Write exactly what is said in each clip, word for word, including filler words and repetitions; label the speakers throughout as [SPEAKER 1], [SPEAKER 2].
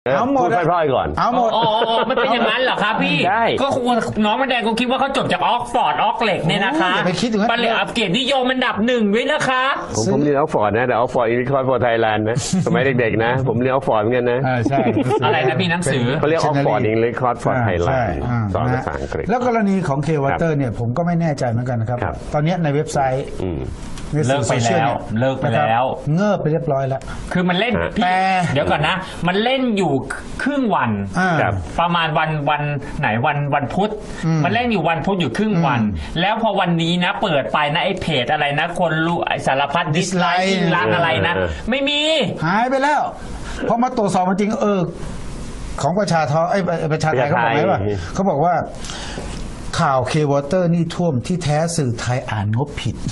[SPEAKER 1] เอาหมด
[SPEAKER 2] พูดพร่อยๆก่อน
[SPEAKER 1] เอาหมด
[SPEAKER 3] อ๋อมันเป็นอย่างนั้นเหรอครับพี่
[SPEAKER 2] ใช่
[SPEAKER 3] ก็น้องมันแดงคงคิดว่าเขาจบจากออกฟอร์ดออกเหล็กเนี่ยนะคะ
[SPEAKER 1] อย่าไปคิดถึงนั้น
[SPEAKER 3] ปริญญาเกียรตินิยมอันดับหนึ่งด้วยนะคะ
[SPEAKER 2] ผมผมเรียนออกฟอร์ดนะแต่ออกฟอร์ดอินคอร์ฟอร์ไทยแลนด์นะสมัยเด็กๆนะผมเรียนออกฟอร์ดเหมือนกันนะ
[SPEAKER 1] ใช่
[SPEAKER 3] อะไรนะพี่หนังสือ
[SPEAKER 2] เขาเรียกออกฟอร์ดอินคอร์ฟอร์ไทยแลนด์สอนภาษาอังกฤษ
[SPEAKER 1] แล้วกรณีของเควอเตอร์เนี่ยผมก็ไม่แน่ใจเหมือนกันนะครับตอนนี้ในเว็บไซต์
[SPEAKER 3] เลิกไปแล้วเลิกไปแล้ว
[SPEAKER 1] เงิบไปเรียบร้อยแล้ว
[SPEAKER 3] คือมันเล่นแต่เดี๋ยวก่อนนะมันเล่นอยู่ครึ่งวันประมาณวันวันไหนวันวันพุธมันเล่นอยู่วันพุธอยู่ครึ่งวันแล้วพอวันนี้นะเปิดไปนะไอ้เพจอะไรนะคนรู้สารพัดดิสไลค์ล้างอะไรนะไม่มี
[SPEAKER 1] หายไปแล้วพอมาตรวจสอบจริงเออของประชาทอไอ้ประชาไทยเขาบอกไหมว่าเขาบอกว่าข่าวเควอเตอร์นี่ท่วมที่แท้สื่อไทยอ่านงบผิด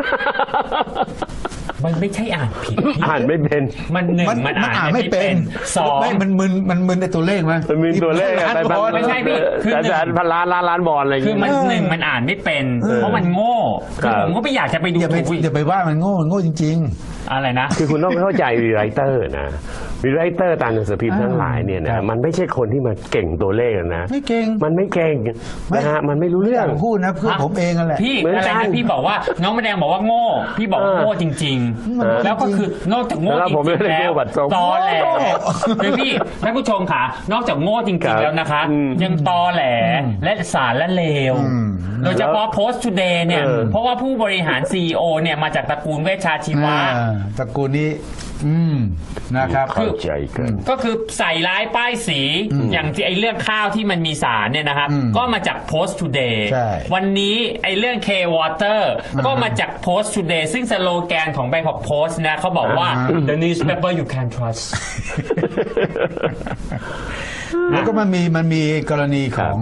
[SPEAKER 3] มันไม่ใช่อ่านผิด
[SPEAKER 2] อ่านไม่เป็น
[SPEAKER 3] มันหนึ่งมันอ่านไม่เป็นสอง
[SPEAKER 1] ไม่มันมึนมันมึนในตัวเลขมั้ย
[SPEAKER 2] มันมึนตัวเลขอะไรบ้าง
[SPEAKER 3] ไม่ใช่พี่
[SPEAKER 2] คือแต่พันล้านล้านล้านบอลอะไร
[SPEAKER 3] คือมันหนึ่งมันอ่านไม่เป็นเพราะมันโง่คือผมก็ไม่อยากจะไปดู
[SPEAKER 1] อย่าไปอย่าไปว่ามันโง่มันโง่จริง
[SPEAKER 3] ๆอะไรนะ
[SPEAKER 2] คือคุณต้องเข้าใจวีไรเตอร์นะวีไรเตอร์ตามหนังสือพิมพ์ทั้งหลายเนี่ยนะมันไม่ใช่คนที่มาเก่งตัวเลขนะ
[SPEAKER 1] ไม่เก่ง
[SPEAKER 2] มันไม่เก่งนะฮะมันไม่รู้เรื่อง
[SPEAKER 1] พูดนะเพื่อผมเองนั่นแหละ
[SPEAKER 3] พี่อะไรนะพี่บอกว่าน้องแมดงบอกว่าโง่พี่บอกโง่จริงๆแล้วก็คือนอกจากโง่จริงๆแล้วตอแหลคือพี่ท่านผู้ชมค่ะนอกจากโง่จริงๆแล้วนะคะยังตอแหลและสารและเลวโดยเฉพาะ Post Today เนี่ยเพราะว่าผู้บริหาร ซี อี โอ เนี่ยมาจากตระกูลเวชชาชีวะ
[SPEAKER 1] ตระกูลนี้อืมนะครับ
[SPEAKER 2] คือ
[SPEAKER 3] ก็คือใส่ร้ายป้ายสีอย่างที่ไอ้เรื่องข้าวที่มันมีสารเนี่ยนะครับก็มาจาก Post Today วันนี้ไอ้เรื่อง K Water ก็มาจาก Post Today ซึ่งสโลแกนของ Bangkok Post นะเขาบอกว่า the newspaper you can trust
[SPEAKER 1] แล้วก็มันมีมันมีกรณีของ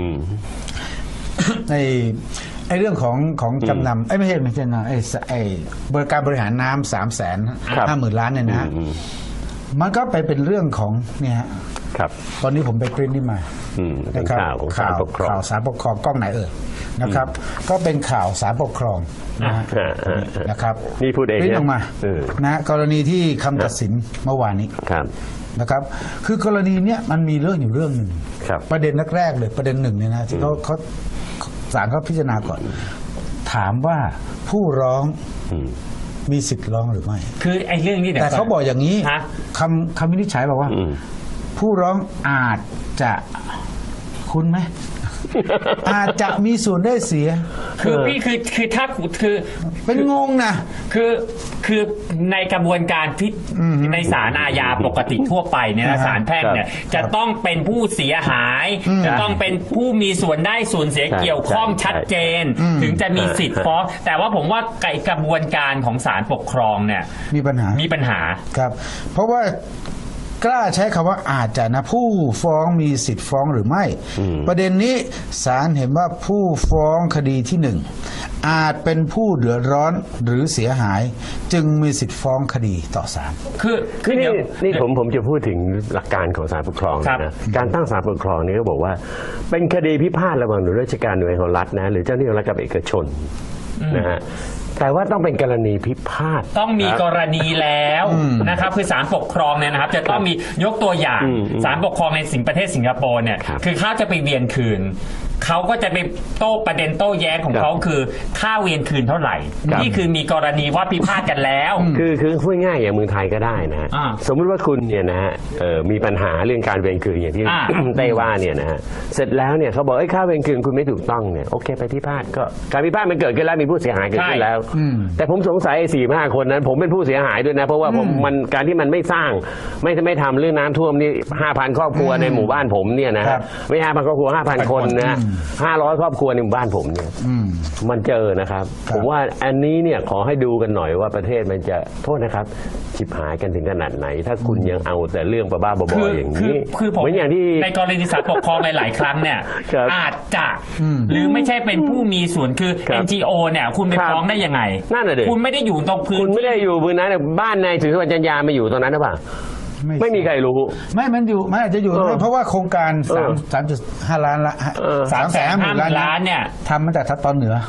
[SPEAKER 1] ในไอ้เรื่องของของจำนำไอ้ไม่ใช่ไม่ใช่นะไอ้ไอ้บริการบริหารน้ำสามแสนห้าหมื่นล้านเนี่ยนะมันก็ไปเป็นเรื่องของเนี่ย
[SPEAKER 2] ครับ
[SPEAKER 1] ตอนนี้ผมไปปริ้นนี่มา
[SPEAKER 2] นะครับ
[SPEAKER 1] ข่าวข่าวสารปกครองกล้องไหนเอ่ยนะครับก็เป็นข่าวสารปกครองนะครับ
[SPEAKER 2] นี่พูดเอง
[SPEAKER 1] ปริ้นออกมานะกรณีที่คำตัดสินเมื่อวานนี้นะครับคือกรณีเนี้ยมันมีเรื่องอยู่เรื่องหนึ่งประเด็นแรกๆเลยประเด็นหนึ่งเนี่ยนะที่เขาเขาศาลเขาพิจารณาก่อนถามว่าผู้ร้องมีสิทธิ์ร้องหรือไม่
[SPEAKER 3] คือไอ้เรื่องนี้
[SPEAKER 1] แต่เขาบอกอย่างนี้คำคำวินิจฉัยบอกว่าผู้ร้องอาจจะคุณไหมอาจจะมีส่วนได้เสีย
[SPEAKER 3] คือพี่คือคือถ้าคือ
[SPEAKER 1] เป็นงงนะ
[SPEAKER 3] คือคือในกระบวนการพิในศาลอาญาปกติทั่วไปเนี่ยศาลแพ่งเนี่ยจะต้องเป็นผู้เสียหายจะต้องเป็นผู้มีส่วนได้ส่วนเสียเกี่ยวข้องชัดเจนถึงจะมีสิทธิ์ฟ้องแต่ว่าผมว่าไกระบวนการของศาลปกครองเนี่ย
[SPEAKER 1] มีปัญหา
[SPEAKER 3] มีปัญหา
[SPEAKER 1] ครับเพราะว่ากล้าใช้คำว่าอาจจะนะผู้ฟ้องมีสิทธิ์ฟ้องหรือไม่ประเด็นนี้ศาลเห็นว่าผู้ฟ้องคดีที่หนึ่งอาจเป็นผู้เดือดร้อนหรือเสียหายจึงมีสิทธิ์ฟ้องคดีต่อศาล
[SPEAKER 2] คือคือนี่นี่ผมผมจะพูดถึงหลักการของศาลปกครองนะการตั้งศาลปกครองนี้ก็บอกว่าเป็นคดีพิพาทระหว่างหน่วยราชการหน่วยของรัฐนะหรือเจ้าหน้าที่รัฐกับเอกชนนะฮะแต่ว่าต้องเป็นกรณีพิพาท
[SPEAKER 3] ต้องมีกรณีแล้วนะครับคือศาลปกครองเนี่ยนะครับจะต้องมียกตัวอย่างศาลปกครองในสิงประเทศสิงคโปร์เนี่ยคือเขาจะไปเวียนคืนเขาก็จะไปโต้ประเด็นโต้แย้งของเขาคือค่าเวียนคืนเท่าไหร่นี่คือมีกรณีว่าพิพาทกันแล้ว
[SPEAKER 2] คือคือพูดง่ายอย่างเมืองไทยก็ได้นะสมมติว่าคุณเนี่ยนะฮะมีปัญหาเรื่องการเวียนคืนอย่างที่เต้ว่าเนี่ยนะฮะเสร็จแล้วเนี่ยเขาบอกไอ้ค่าเวียนคืนคุณไม่ถูกต้องเนี่ยโอเคไปพิพาทก็การพิพาทมันเกิดขึ้นแล้วมีผู้เสียหายเกิดขึ้นแล้วแต่ผมสงสัยไอ้สี่ห้าคนนั้นผมเป็นผู้เสียหายด้วยนะเพราะว่าผมมันการที่มันไม่สร้างไม่ไม่ทำเรื่องน้ำท่วมนี่ห้าพันครอบครัวในหมู่บ้านผมเนี่ยนะไม่ห้าพันครอบครัวห้าพันคนนะห้าร้อยครอบครัวในหมู่บ้านผมเนี่ยมันเจอนะครับผมว่าอันนี้เนี่ยขอให้ดูกันหน่อยว่าประเทศมันจะโทษนะครับฉิบหายกันถึงขนาดไหนถ้าคุณยังเอาแต่เรื่องบ้าๆบอๆอย่างนี้
[SPEAKER 3] เหมือนอย่างที่ในกรณีศาลปกครองหลายๆครั้งเนี่ยอาจจะหรือไม่ใช่เป็นผู้มีส่วนคือ เอ็น จี โอ เนี่ยคุณไปฟ้องได้ยังไง
[SPEAKER 2] นั่นแหละดิ
[SPEAKER 3] คุณไม่ได้อยู่ตรงพื้น
[SPEAKER 2] คุณไม่ได้อยู่พื้นนั้นบ้านนายถือสวัสดิ์จันยามาอยู่ตรงนั้นหรือเปล่าไม่มีใครรู้
[SPEAKER 1] ไม่มันอยู่มันอาจจะอยู่เพราะว่าโครงการสามสามจุดห้าล้านละสามแสนห้าหมื่นล้านเนี่ยทำมาจากตอนเหนือ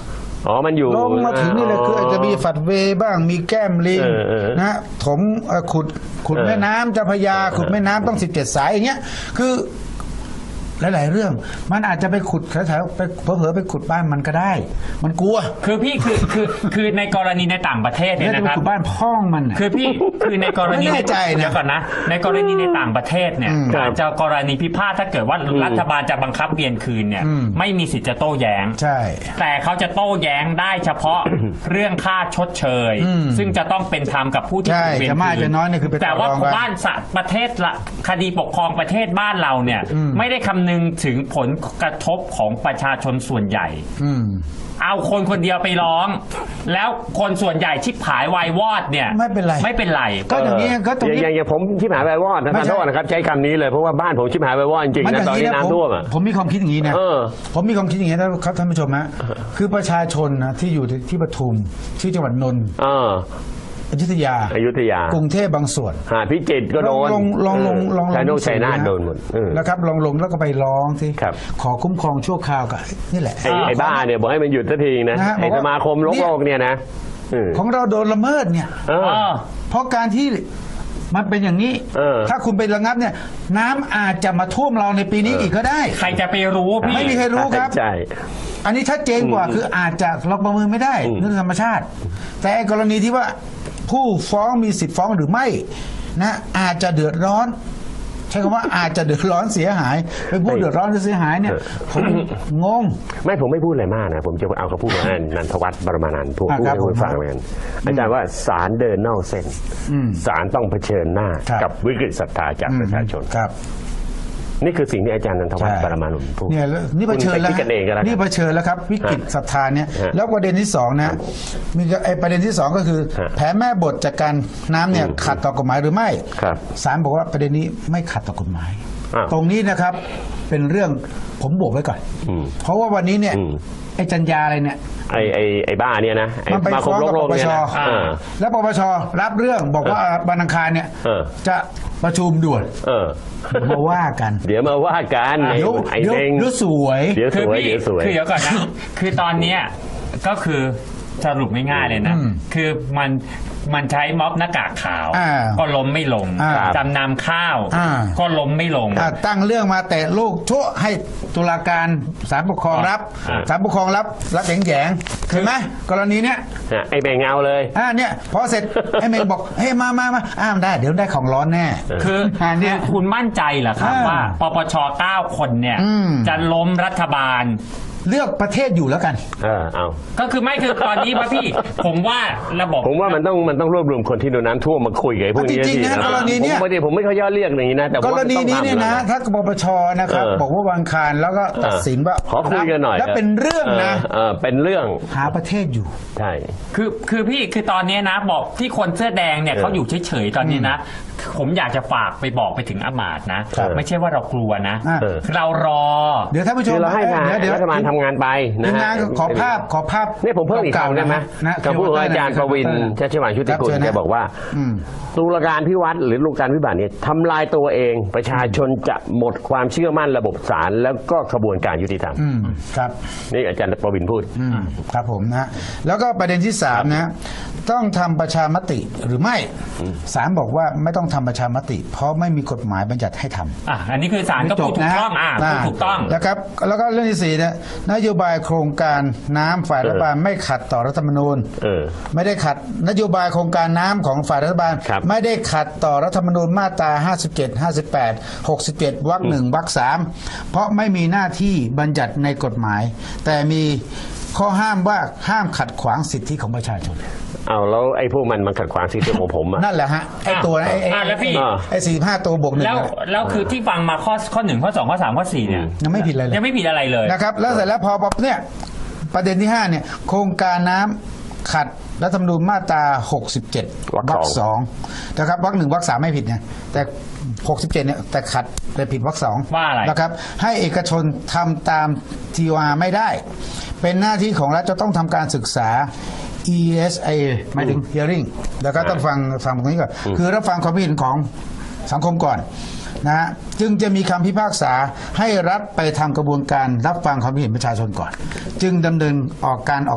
[SPEAKER 2] อ๋อมันอยู่
[SPEAKER 1] ลงมาถึงนี่เลยคืออาจจะมีฝัดเวบ้างมีแก้มลิง
[SPEAKER 2] เออเออ
[SPEAKER 1] นะถมเอ่อขุดขุด
[SPEAKER 2] เออ
[SPEAKER 1] แม่น้ำเจ้าพระยาขุดแม่น้ำต้องสิบเจ็ดสายอย่างเงี้ยคือหลายๆเรื่องมันอาจจะไปขุดแถวๆไปเผลอๆไปขุดบ้านมันก็ได้ มันกลัว
[SPEAKER 3] คือพี่คือคือคือในกรณีในต่างประเทศเนี่ย
[SPEAKER 1] แล้วจะ
[SPEAKER 3] นะ
[SPEAKER 1] ไป
[SPEAKER 3] ครับ
[SPEAKER 1] ขุดบ้านพ่องมันน่ะ
[SPEAKER 3] คือพี่คือในกรณี
[SPEAKER 1] ไม่แน่ใจนะ
[SPEAKER 3] เดี๋ยวก่อนนะ ในกรณีในต่างประเทศเนี่ย
[SPEAKER 1] อืม
[SPEAKER 3] อาจจะกรณีพิพาทถ้าเกิดว่ารัฐบาลจะบังคับเวียนคืนเนี่ย
[SPEAKER 1] อืม
[SPEAKER 3] ไม่มีสิทธิ์จะโต้แย้ง
[SPEAKER 1] ใช่
[SPEAKER 3] แต่เขาจะโต้แย้งได้เฉพาะ เรื่องค่าชดเชย
[SPEAKER 1] อืม
[SPEAKER 3] ซึ่งจะต้องเป็นธรรมกับผู้ที่
[SPEAKER 1] ใช่
[SPEAKER 3] ถูกเวียน
[SPEAKER 1] จะมาก
[SPEAKER 3] คื
[SPEAKER 1] จะน้อยเนี่ยคือไป
[SPEAKER 3] แต่ว่า
[SPEAKER 1] ต่อรองกัน
[SPEAKER 3] บ้านสะประเทศละคดีปกครองประเทศบ้านเราเนี่ย
[SPEAKER 1] อืม
[SPEAKER 3] ไม่ได้คำนึงถึงผลกระทบของประชาชนส่วนใหญ่
[SPEAKER 1] อืม
[SPEAKER 3] เอาคนคนเดียวไปร้อง แล้วคนส่วนใหญ่ชิบหายวายวอดเนี่ย
[SPEAKER 1] ไม่เป็นไร
[SPEAKER 3] ไม่เป็นไร
[SPEAKER 1] ก็อย่างนี้ก็ตรงนี้
[SPEAKER 2] อย่างอย่างผมชิบหายไปวอดนะ
[SPEAKER 1] ไม่
[SPEAKER 2] ขอ
[SPEAKER 1] ใช่
[SPEAKER 2] โทษนะครับใช้คำนี้เลยเพราะว่าบ้านผมชิบหายไปวอดจริงๆ
[SPEAKER 1] มันอ
[SPEAKER 2] นะ
[SPEAKER 1] ย่าง
[SPEAKER 2] ตอน
[SPEAKER 1] นี้
[SPEAKER 2] นี้
[SPEAKER 1] นะผม
[SPEAKER 2] น้ำท่วมอ่ะ
[SPEAKER 1] ผมมีความคิดอย่างนี้นะ
[SPEAKER 2] เออ
[SPEAKER 1] ผมมีความคิดอย่างนี้นะครับท่านผู้ชมฮะคือประชาชนนะที่อยู่ที่ปทุมที่จังหวัดนนท์
[SPEAKER 2] เออ
[SPEAKER 1] อยุธยา
[SPEAKER 2] อยุธยาก
[SPEAKER 1] รุงเทพบางส่วน
[SPEAKER 2] หาดพิจิตรก็โดน
[SPEAKER 1] ลองลองลองลอง
[SPEAKER 2] ชายโน
[SPEAKER 1] ลอง
[SPEAKER 2] ชัยนาท
[SPEAKER 1] ะ
[SPEAKER 2] โดนหมดเออ
[SPEAKER 1] นะครับลองลงแล้วก็ไปร้องที่
[SPEAKER 2] ครับ
[SPEAKER 1] ขอคุ้มครองชั่วคราวกับนี่แหละ
[SPEAKER 2] ไอ้ไอ้บ้าเนี่ยบอกให้มันหยุดสักทีนะ
[SPEAKER 1] นะฮะ
[SPEAKER 2] ไอ้
[SPEAKER 1] บอกว่า
[SPEAKER 2] สมาคมโลกโลกเนี่ยนะเออ
[SPEAKER 1] ของเราโดนละเมิดเนี่ย
[SPEAKER 2] เออ
[SPEAKER 3] เออ
[SPEAKER 1] เพราะการที่มันเป็นอย่างนี้
[SPEAKER 2] เออ
[SPEAKER 1] ถ้าคุณไประงับเนี่ย น้ำอาจจะมาท่วมเราในปีนี้อีกก็ได้
[SPEAKER 3] ใครจะไปรู้พี่
[SPEAKER 1] ไม่มีใครรู้ครับ
[SPEAKER 2] ใช่
[SPEAKER 1] อันนี้ชัดเจนกว่าคืออาจจะเราประเมินไม่ได้
[SPEAKER 2] อืม
[SPEAKER 1] เรื่องธรรมชาติ แต่ไอ้กรณีที่ว่าผู้ฟ้องมีสิทธิ์ฟ้องหรือไม่นะอาจจะเดือดร้อน ใช้คำว่าอาจจะเดือดร้อนเสียหายเป็นผู้เดือดร้อนหรือเสียหายเนี่ยผมงง
[SPEAKER 2] ไม่ผมไม่พูดอะไรมากนะ ผมจะเอาเขาพูดมานันทวัฒน์บรมานันท์พูด
[SPEAKER 1] อ่า
[SPEAKER 2] พูด
[SPEAKER 1] ครับ
[SPEAKER 2] ให้คุณ
[SPEAKER 1] ผม
[SPEAKER 2] ฟังเหมือนกันอาจารย์ว่าศาลเดินนอกเส้น
[SPEAKER 1] อืม
[SPEAKER 2] ศาลต้องเผชิญหน้า
[SPEAKER 1] ครับ
[SPEAKER 2] กับวิกฤตศรัทธาจากประชาชน
[SPEAKER 1] ครับ
[SPEAKER 2] นี่คือสิ่งที่อาจารย์นันทวัฒน์
[SPEAKER 1] ใช่
[SPEAKER 2] บรมานันท์พูด
[SPEAKER 1] เนี่ยแล้วนี่เผชิญแล้ว
[SPEAKER 2] คุณไปคิดกันเองก็แล้วกัน
[SPEAKER 1] นี่เผชิญแล้วครับ วิกฤตศรัทธาเนี่ย
[SPEAKER 2] ฮะ
[SPEAKER 1] แล้วประเด็นที่สองนะมีไอ้ประเด็นที่สองก็คือ
[SPEAKER 2] ฮะ
[SPEAKER 1] แผนแม่บทจากการน้ำเนี่ย
[SPEAKER 2] อืม
[SPEAKER 1] ขัดต่อกฎหมายหรือไม่
[SPEAKER 2] ครับ
[SPEAKER 1] ศาลบอกว่าประเด็นนี้ไม่ขัดต่อกฎหมาย
[SPEAKER 2] อ้าว
[SPEAKER 1] ตรงนี้นะครับเป็นเรื่องผมบวกไว้ก่อน
[SPEAKER 2] อืม
[SPEAKER 1] เพราะว่าวันนี้เนี่ย
[SPEAKER 2] อืม
[SPEAKER 1] ไอ้จัญญาอะไรเนี่ย
[SPEAKER 2] ไอ้ไอ้ไอ้บ้าเนี่ยนะไอ้
[SPEAKER 1] มันไป
[SPEAKER 2] สมาค
[SPEAKER 1] ฟ้
[SPEAKER 2] ม
[SPEAKER 1] อง
[SPEAKER 2] โล
[SPEAKER 1] กับ
[SPEAKER 2] กโล
[SPEAKER 1] ป
[SPEAKER 2] ก
[SPEAKER 1] ป
[SPEAKER 2] เนี่ย
[SPEAKER 1] ช
[SPEAKER 2] นะเออ
[SPEAKER 1] แล้วปปชรับเรื่องบอกว่าวันอังคารเนี่ย
[SPEAKER 2] เออ
[SPEAKER 1] จะประชุมด่วน
[SPEAKER 2] เออ
[SPEAKER 1] มาว่ากัน
[SPEAKER 2] เดี๋ยวมาว่ากันไอ้
[SPEAKER 1] เดี๋ยว
[SPEAKER 2] ไอ้
[SPEAKER 1] เดี๋ยว
[SPEAKER 2] เด้ง
[SPEAKER 1] เดี๋ยวสวย
[SPEAKER 2] เดี๋ยวส
[SPEAKER 3] คือ
[SPEAKER 2] วย
[SPEAKER 3] พี่
[SPEAKER 2] เดี๋ยวสวย
[SPEAKER 3] คือเดี๋ยวก่อนนะ คือตอนเนี้ยก็คือสรุปง่ายๆเลยนะ
[SPEAKER 1] อืม
[SPEAKER 3] คือมันมันใช้ม็อบหน้ากากขาว
[SPEAKER 1] อ่า
[SPEAKER 3] ก็ล้มไม่ลง
[SPEAKER 1] อ่า
[SPEAKER 3] จำนำข้าว
[SPEAKER 1] อ่า
[SPEAKER 3] ก็ล้มไม่ลง
[SPEAKER 1] อ่ะตั้งเรื่องมาแต่ลูกชั่วให้ตุลาการศาลปกครองรับ
[SPEAKER 3] อ่า
[SPEAKER 1] ศาลปกครองรับรับแยงๆเห็นไหมกรณีเนี้ย
[SPEAKER 2] ฮะไอ้แบ่งเงาเลย
[SPEAKER 1] อ่าเนี่ยพอเสร็จ ไอ้เมย์บอกเฮ้ยมามามาอ้ามได้เดี๋ยวได้ของร้อนแน่
[SPEAKER 3] คือ
[SPEAKER 1] อ่าเนี่ย
[SPEAKER 3] คุณมั่นใจเหรอครับ
[SPEAKER 1] อ่า
[SPEAKER 3] ว่าปปชเก้าคนเนี่ย
[SPEAKER 1] อืม
[SPEAKER 3] จะล้มรัฐบาล
[SPEAKER 1] เลือกประเทศอยู่แล้วกัน
[SPEAKER 2] เออเอา
[SPEAKER 3] ก็คือไม่คือตอนนี้ป่ะพี่ ผมว่าระบบ
[SPEAKER 2] ผมว่ามันต้องมันต้องรวบรวมคนที่โดนน้ำท่วมมาคุยกับไอ้พวกนี้
[SPEAKER 1] จริงๆนะ
[SPEAKER 2] ที
[SPEAKER 1] กรณีเนี้ย
[SPEAKER 2] ผมไม่ได้ผมไม่ค่อยย่อเรียกอย่างนี้นะแต่
[SPEAKER 1] ก
[SPEAKER 2] ว่าร
[SPEAKER 1] ณี
[SPEAKER 2] มั
[SPEAKER 1] นี้
[SPEAKER 2] ต้อง
[SPEAKER 1] เนี่ยนะ
[SPEAKER 2] ทำ
[SPEAKER 1] ถ้าปปชนะครับ
[SPEAKER 2] เออ
[SPEAKER 1] บอกว่าวันอังคารแล้วก็ตัดสินว่า
[SPEAKER 2] ขอคุยกันหน่อย
[SPEAKER 1] แล้วเป็นเรื่องนะ
[SPEAKER 2] เออเป็นเรื่อง
[SPEAKER 1] หาประเทศอยู่
[SPEAKER 2] ใช่
[SPEAKER 3] คือคือพี่คือตอนนี้นะบอกที่คนเสื้อแดงเนี่ย
[SPEAKER 2] เออ
[SPEAKER 3] เขาอยู่เฉยๆตอนนี้นะ ผมอยากจะฝากไปบอกไปถึงอามาตย์นะครับ ไม่ใช่ว่าเรากลัวนะ
[SPEAKER 1] อ่า
[SPEAKER 2] เออ
[SPEAKER 3] เรารอ
[SPEAKER 1] เดี๋ยวท่านผู้ช
[SPEAKER 2] คื
[SPEAKER 1] ม
[SPEAKER 2] อเราให้งาน
[SPEAKER 1] เดี๋ยวเดี๋ยว
[SPEAKER 2] รัฐบาลทำงานไปนะ
[SPEAKER 1] ทีม
[SPEAKER 2] ฮะ
[SPEAKER 1] งานขอภาพขอภาพ
[SPEAKER 2] เนี่ยผมเพิ่มอีก
[SPEAKER 1] ก่า
[SPEAKER 2] คำได้ไหม
[SPEAKER 1] นะ
[SPEAKER 2] คำพูดของอาจารย์ประวินชัชวานชุติกุล
[SPEAKER 1] ครับเชิญนะ
[SPEAKER 2] แกบอกว่า
[SPEAKER 1] อืม
[SPEAKER 2] ตุลาการพิวัตรหรือตุลาการพิบัติเนี่ยทำลายตัวเองประชาชนจะหมดความเชื่อมั่นระบบศาลแล้วก็กระบวนการยุติธรรม
[SPEAKER 1] อืมครับ
[SPEAKER 2] นี่อาจารย์ประวินพูด
[SPEAKER 1] อืมครับผมนะแล้วก็ประเด็นที่สามนะต้องทำประชามติหรือไม่ศาลบอกว่าไม่ต้องทำประชามติ เพราะไม่มีกฎหมายบัญญัติให้ทำ
[SPEAKER 3] อ่ะอันนี้คือศาลก็พูดถูกต้องอ่ะพูดถูกต้อง
[SPEAKER 1] นะครับแล้วก็เรื่องที่สี่เนี่ยนโยบายโครงการน้ำฝ่ายรัฐบาลไม่ขัดต่อรัฐธรรมนูญ
[SPEAKER 2] เออ
[SPEAKER 1] ไม่ได้ขัดนโยบายโครงการน้ำของฝ่ายรัฐบาล
[SPEAKER 2] ครับ
[SPEAKER 1] ไม่ได้ขัดต่อรัฐธรรมนูญมาตราห้าสิบเจ็ด ห้าสิบแปด หกสิบเจ็ดวรรคหนึ่งวรรคสามเพราะไม่มีหน้าที่บัญญัติในกฎหมาย แต่มีข้อห้ามว่าห้ามขัดขวางสิทธิของประชาชน
[SPEAKER 2] เอาแล้วไอ้พวกมันมันขัดขวางสิทธิของผมอ่ะ
[SPEAKER 1] นั่นแหละฮะไอ้ตัวไอ้ไอ้
[SPEAKER 3] อ่ะแล้วพี่
[SPEAKER 1] ไอ้สี่ห้าตัวบวกหนึ่ง
[SPEAKER 3] แล้ว
[SPEAKER 1] อะ
[SPEAKER 3] แล้วคือที่ฟังมาข้อข้อหนึ่งข้อสองข้อสามข้อสี่เนี่ย
[SPEAKER 1] ยังไม่ผิดอะไรเลย
[SPEAKER 3] ยังไม่ผิดอะไรเลย
[SPEAKER 1] นะครับแล้วเสร็จแล้วพอพอเนี่ยประเด็นที่ห้าเนี่ยโครงการน้ำขัดรัฐธรรมนูญมาตราหกสิบเจ็ด
[SPEAKER 2] วรรคสอง
[SPEAKER 1] สองนะครับวรรคหนึ่งวรรคสามไม่ผิดไงแต่หกสิบเจ็ดเนี่ยแต่ขัดเลยผิดวรรคสอง
[SPEAKER 3] ว่าอะไร
[SPEAKER 1] นะครับให้เอกชนทำตาม ที โอ อาร์ ไม่ได้ เป็นหน้าที่ของรัฐจะต้องทำการศึกษา อี เอส เอ หมายถึง hearing แล้วก็ต้องฟังฟังตรงนี้ก่อนคือรับฟังความคิดเห็นของสังคมก่อนนะฮะจึงจะมีคำพิพากษาให้รัฐไปทำกระบวนการรับฟังความคิดเห็นประชาชนก่อน จึงดำเนินออกการออก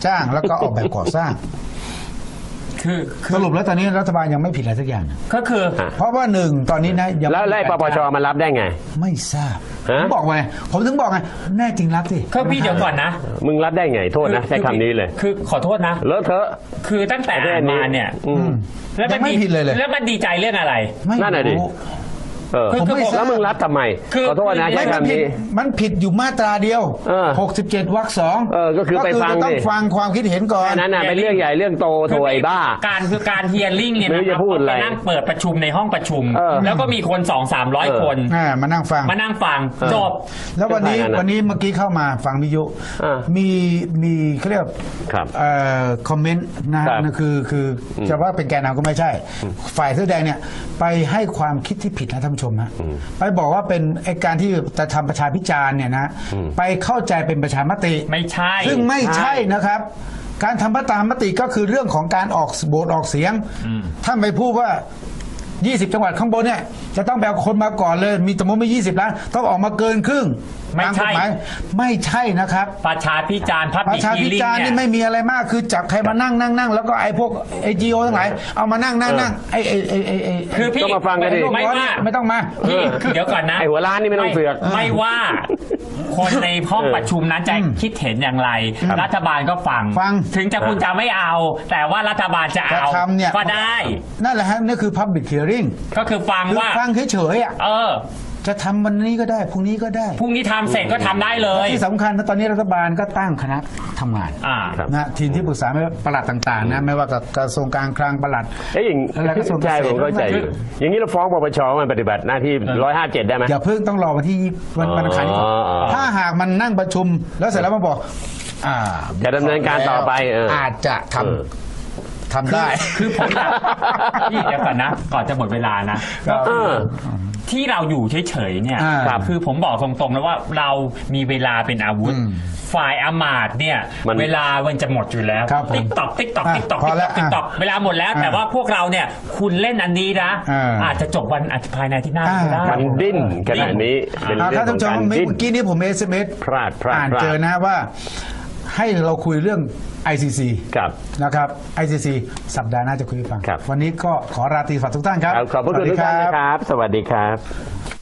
[SPEAKER 1] จ้างแล้วก็ออกแบบก่อสร้าง
[SPEAKER 3] คือคื
[SPEAKER 1] ส
[SPEAKER 3] อ
[SPEAKER 1] รุปแล้วตอนนี้รัฐบาลยังไม่ผิดอะไรสักอย่าง
[SPEAKER 3] ก็คือ
[SPEAKER 1] เพราะว่าหนึ่งตอนนี้นะยัง
[SPEAKER 2] แล้วไล่ปปชมันรับได้ไง
[SPEAKER 1] ไม่ทราบผ
[SPEAKER 2] ฮะ
[SPEAKER 1] มบอกไงผมถึงบอกไงแน่จริงรับสิ
[SPEAKER 3] คือพี่เดี๋ยวก่อนนะ
[SPEAKER 2] มึงรับได้ไงโทษนะใช้คำนี้เลย
[SPEAKER 3] คือขอโทษนะ
[SPEAKER 2] เลอะเทอะ
[SPEAKER 3] คือตั้งแต่อ่านมาเนี่ย
[SPEAKER 2] อืม
[SPEAKER 3] แล้ว
[SPEAKER 1] ยังไม่ผิดเลยเลย
[SPEAKER 3] แล้วมันดีใจเรื่องอะไร
[SPEAKER 1] ไม่
[SPEAKER 2] นั่นน่ะดิ
[SPEAKER 1] รู้
[SPEAKER 2] เออ
[SPEAKER 3] คือคือผม
[SPEAKER 2] แล้วมึงรับทำไม
[SPEAKER 3] คือ
[SPEAKER 2] ขอโทษนะ
[SPEAKER 3] คือ
[SPEAKER 2] ใช้
[SPEAKER 1] ไม่มัน
[SPEAKER 2] คำ
[SPEAKER 1] ผิด
[SPEAKER 2] นี้
[SPEAKER 1] มันผิดอยู่มาตราเดียว
[SPEAKER 2] เออ
[SPEAKER 1] หกสิบเจ็ดวรรคสอง
[SPEAKER 2] เออก็คือไปฟัง
[SPEAKER 1] จะต้อง
[SPEAKER 2] ดิ
[SPEAKER 1] ฟังความคิดเห็นก่อน
[SPEAKER 2] อันนั้นน่ะเป็นเรื่องใหญ่เรื่องโตโถไอ้บ้า
[SPEAKER 3] การคือการเฮียริ่งเนี่ย
[SPEAKER 2] ไม่
[SPEAKER 3] นะ
[SPEAKER 2] รู้
[SPEAKER 3] ค
[SPEAKER 2] จะ
[SPEAKER 3] รับ
[SPEAKER 2] พูดอะไร
[SPEAKER 3] ไปนั่งเปิดประชุมในห้องประชุม
[SPEAKER 2] เออ
[SPEAKER 3] แล้วก็มีคนสองสามร้อย
[SPEAKER 2] เออ
[SPEAKER 3] คน
[SPEAKER 1] อ่ามานั่งฟัง
[SPEAKER 3] มานั่งฟัง
[SPEAKER 2] เออ
[SPEAKER 3] จบ
[SPEAKER 1] แล้ววันนี้
[SPEAKER 2] ก็ฟังกันนะ
[SPEAKER 1] วันนี้เมื่อกี้เข้ามาฟังวิทยุ
[SPEAKER 2] อ่ามี
[SPEAKER 1] มีมีเขาเรียก
[SPEAKER 2] ครับ
[SPEAKER 1] เอ่อคอมเมนต์นะครับ นั่นคือคืออจะว่าเป็นแกนนำก็ไม่ใช่ ฝ่ายเสื้อแดงเนี่ยไปให้ความคิดที่ผิดนะท่านผู้ชมนะไปบอกว่าเป็นไอการที่จะทำประชาพิจารณ์เนี่ยนะไปเข้าใจเป็นประชามติ
[SPEAKER 3] ไม่ใช่
[SPEAKER 1] ซึ่งไม่ใช่นะครับ การทำประชามติก็คือเรื่องของการออกโหวตออกเสียง ถ้าไม่พูดว่า ยี่สิบ จังหวัดข้างบนเนี่ยจะต้องไปเอาคนมาก่อนเลย มีสมมติไม่ยี่สิบล้านต้องออกมาเกินครึ่ง
[SPEAKER 3] ไม่ใช่
[SPEAKER 1] ตากฎหายไม่ใช่นะครับ
[SPEAKER 3] ประชาพิจารณ์พับ
[SPEAKER 1] ป
[SPEAKER 3] บิ
[SPEAKER 1] ระชาพิ
[SPEAKER 3] ลิง
[SPEAKER 1] จารณ์
[SPEAKER 3] เนี่
[SPEAKER 1] นี่
[SPEAKER 3] ย
[SPEAKER 1] ไม่มีอะไรมากคือจับใครมานั่งนั่งนั่งแล้วก็ไอ้พวกไอจีโอทั้งหลายเอามานั่งนั่งนั่งไอไอไอไอไอ
[SPEAKER 3] คือพี่
[SPEAKER 2] ต้องมาฟังกันดิ
[SPEAKER 3] ไม่ว่า
[SPEAKER 1] ไม่ต้องมา
[SPEAKER 3] พี่เดี๋ยวก่อนนะ
[SPEAKER 2] ไอ้หัวล้านนี่ไม่ต้องเสือก
[SPEAKER 3] ไม่ว่า คนในห้องประชุมนั้นจะคิดเห็นอย่างไร รัฐบาลก็ฟัง
[SPEAKER 1] ฟัง
[SPEAKER 3] ถึงจะคุณจะไม่เอา แต่ว่ารัฐบาลจะ
[SPEAKER 1] จะ
[SPEAKER 3] เอา
[SPEAKER 1] ทำเนี่ย
[SPEAKER 3] ก็ได้
[SPEAKER 1] นั่นแหละฮะนี่คือ public hearing
[SPEAKER 3] ก็คือฟัง
[SPEAKER 1] คือ
[SPEAKER 3] ว่า
[SPEAKER 1] ฟังเฉยๆอ่ะ
[SPEAKER 3] เออ
[SPEAKER 1] จะทำวันนี้ก็ได้พรุ่งนี้ก็ได้
[SPEAKER 3] พรุ่งนี้ทำเสร็จก็ทำได้เลย
[SPEAKER 1] ที่สำคัญนะตอนนี้รัฐบาลก็ตั้งคณะทำงาน
[SPEAKER 3] อ่า
[SPEAKER 2] ครับ
[SPEAKER 1] นะทีมที่ปรึกษาไม่ว่าประหลัดต่างๆนะไม่ว่ากับกระทรวงการคลังประหลัด
[SPEAKER 2] เอ้ยอย่าง
[SPEAKER 1] อะไรกระทรวงเกษตร
[SPEAKER 2] ใช่ผมเข้าใจอยู่อย่างนี้เราฟ้องปปชมันปฏิบัติหน้าที่ร้อยห้าเจ็ดได้ไหม
[SPEAKER 1] อย่าเพิ่งต้องรอวันที่วันวันอังคารนี้ก่อน
[SPEAKER 2] อ๋ออ๋อ
[SPEAKER 1] ถ้าหากมันนั่งประชุมแล้วเสร็จแล้วมาบอก อ่า
[SPEAKER 2] จะดำเนินการต่อไปเอออ
[SPEAKER 1] อาจจะท
[SPEAKER 2] เออ
[SPEAKER 1] ำทำได้
[SPEAKER 3] คือผมอยากพี่เดี๋ยวก่อนนะ ก่อนจะหมดเวลานะ
[SPEAKER 1] ครับ
[SPEAKER 3] ก็คือที่เราอยู่เฉยๆเนี่ย
[SPEAKER 1] อ่า
[SPEAKER 3] ครับคือผมบอกตรงๆนะว่าเรามีเวลาเป็นอาวุธ
[SPEAKER 1] อืม
[SPEAKER 3] ฝ่ายอำมาตย์เนี่ย
[SPEAKER 2] มัน
[SPEAKER 3] เวลามันจะหมดอยู่แล้ว
[SPEAKER 1] ครับผม
[SPEAKER 3] ติ๊กตอกติ๊กตอก
[SPEAKER 1] อ่ะ
[SPEAKER 3] ติ๊กตอก
[SPEAKER 1] พอแล้ว
[SPEAKER 3] ติ๊กตอกเวลาหมดแล้ว
[SPEAKER 1] อ่ะ
[SPEAKER 3] แต่ว่าพวกเราเนี่ย คุณเล่นอันนี้นะ
[SPEAKER 1] อ่า
[SPEAKER 3] อาจจะจบวันอาจจะภายในอาที่หน้าก็ได้
[SPEAKER 1] อ่า
[SPEAKER 2] มันดิ้นขนาดนี้เป็น
[SPEAKER 1] อ่า
[SPEAKER 2] เรื่
[SPEAKER 1] ถ้า
[SPEAKER 2] อง
[SPEAKER 1] ท่าน
[SPEAKER 2] ของ
[SPEAKER 1] ผู้ชม
[SPEAKER 2] การ
[SPEAKER 1] เมื่
[SPEAKER 2] ดิ้น
[SPEAKER 1] อกี้นี้ผมเอสเอ็มเอส
[SPEAKER 2] พลาดพลาด
[SPEAKER 1] อ่าน
[SPEAKER 2] พลาด
[SPEAKER 1] เจอนะว่า ให้เราคุยเรื่อง ไอ ซี ซี
[SPEAKER 2] ครับ
[SPEAKER 1] นะครับ ไอ ซี ซี สัปดาห์หน้าจะคุยให้ฟัง
[SPEAKER 2] ครับ
[SPEAKER 1] วันนี้ก็ขอราตรีฝากทุกท่านครับ
[SPEAKER 2] ขอบพระคุณ
[SPEAKER 1] สวัส
[SPEAKER 2] ทุ
[SPEAKER 1] ดี
[SPEAKER 2] กท่านนะครับ สวัสดีครับ